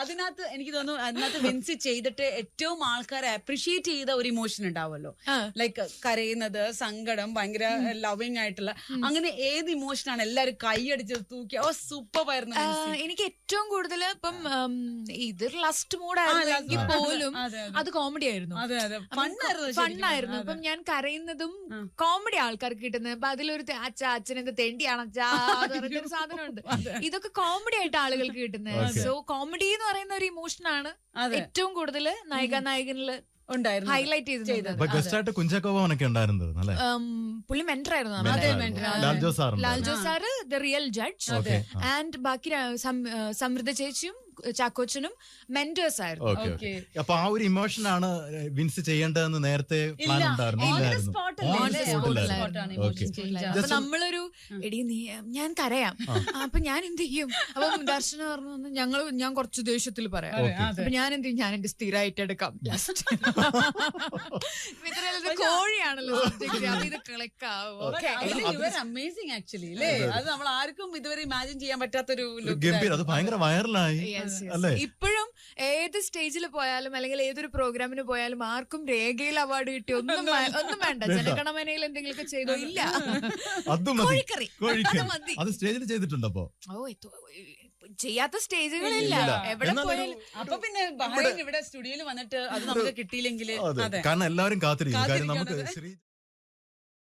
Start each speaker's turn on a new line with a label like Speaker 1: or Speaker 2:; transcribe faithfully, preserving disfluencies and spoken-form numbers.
Speaker 1: അതിനകത്ത് എനിക്ക് തോന്നുന്നു അതിനകത്ത് വിൻസി ചെയ്തിട്ട് ഏറ്റവും ആൾക്കാരെ അപ്രീഷിയേറ്റ് ചെയ്ത ഒരു ഇമോഷൻ ഉണ്ടാവുമല്ലോ, ലൈക്ക് കരയുന്നത്, സങ്കടം, ഭയങ്കര ലവിങ് ആയിട്ടുള്ള, അങ്ങനെ ഏത് ഇമോഷനാണ് എല്ലാരും കൈയടിച്ച് തൂക്കി ഓ സൂപ്പർ ആയിരുന്നു?
Speaker 2: എനിക്ക് ഏറ്റവും കൂടുതൽ ഇപ്പം ഇത് ലസ്റ്റ് മൂഡായിരുന്നെങ്കിൽ പോലും അത് കോമഡി ആയിരുന്നു, ഫണ്ണായിരുന്നു. ഇപ്പം ഞാൻ കരയുന്നതും കോമഡി ആൾക്കാർക്ക് കിട്ടുന്നത്. അപ്പൊ അതിലൊരു അച്ഛ അച്ഛനെന്ത് തെണ്ടിയാണ് അച്ഛാ പറഞ്ഞൊരു സാധനമുണ്ട്. ഇതൊക്കെ കോമഡി ആയിട്ട് ആളുകൾക്ക് കിട്ടുന്നത്. സോ കോമഡി എന്ന് പറയുന്ന ഒരു ഇമോഷനാണ് ഏറ്റവും കൂടുതൽ നായിക നായകനില് ഹൈലൈറ്റ് ചെയ്തത്.
Speaker 3: കുഞ്ചാക്കോവനൊക്കെ ഉണ്ടായിരുന്നത്
Speaker 2: പുള്ളി മെന്റർ ആയിരുന്നു. ലാൽജോ സാറ് ദ റിയൽ ജഡ്ജ് ആൻഡ് ബാക്കി സമൃദ്ധ ചേച്ചിയും ചാക്കോച്ചനും മെന്റേഴ്സ് ആയിരുന്നു.
Speaker 3: അപ്പൊ ആ ഒരു ഇമോഷനാണ് വിൻസ് ചെയ്യേണ്ടതെന്ന് നേരത്തെ പ്ലാൻ ഉണ്ടായിരുന്നു?
Speaker 2: അപ്പൊ നമ്മളൊരു എടി നീ ഞാൻ കരയാം, അപ്പൊ ഞാൻ എന്ത് ചെയ്യും? അപ്പൊ ദർശന പറഞ്ഞു ഞങ്ങൾ ഞാൻ കുറച്ച് ദേഷ്യത്തിൽ പറയാം. അപ്പൊ ഞാൻ എന്ത് ചെയ്യും? ഞാൻ എന്റെ സ്ഥിരമായിട്ട് എടുക്കാം. കോഴിയാണല്ലോ ഇത് കളിക്കാവും.
Speaker 1: അമേസിംഗ് ആക്ച്വലി അല്ലേ? അത് നമ്മൾ ആർക്കും ഇതുവരെ ഇമാജിൻ ചെയ്യാൻ പറ്റാത്തൊരു
Speaker 3: അത് ഭയങ്കര വൈറലായി.
Speaker 2: ഇപ്പോഴും ഏത് സ്റ്റേജിൽ പോയാലും അല്ലെങ്കിൽ ഏതൊരു പ്രോഗ്രാമിന് പോയാലും ആർക്കും രേഖയിൽ അവാർഡ് കിട്ടി ഒന്നും ഒന്നും വേണ്ട. ജനഗണമനയിൽ എന്തെങ്കിലുമൊക്കെ ചെയ്തോ? ഇല്ല, കോഴിക്കറി
Speaker 3: അത് സ്റ്റേജിൽ ചെയ്തിട്ടുണ്ടോ?
Speaker 2: ഓ ചെയ്യാത്ത സ്റ്റേജുകളില്ല എവിടെ പോയാലും.
Speaker 1: അപ്പൊ പിന്നെ ബഹ്റൈൻ ഇവിടെ സ്റ്റുഡിയോയിൽ വന്നിട്ട് അത് നമുക്ക് കിട്ടിയില്ലെങ്കിൽ
Speaker 3: കാരണം എല്ലാവരും കാത്തിരിക്കും. നമുക്ക്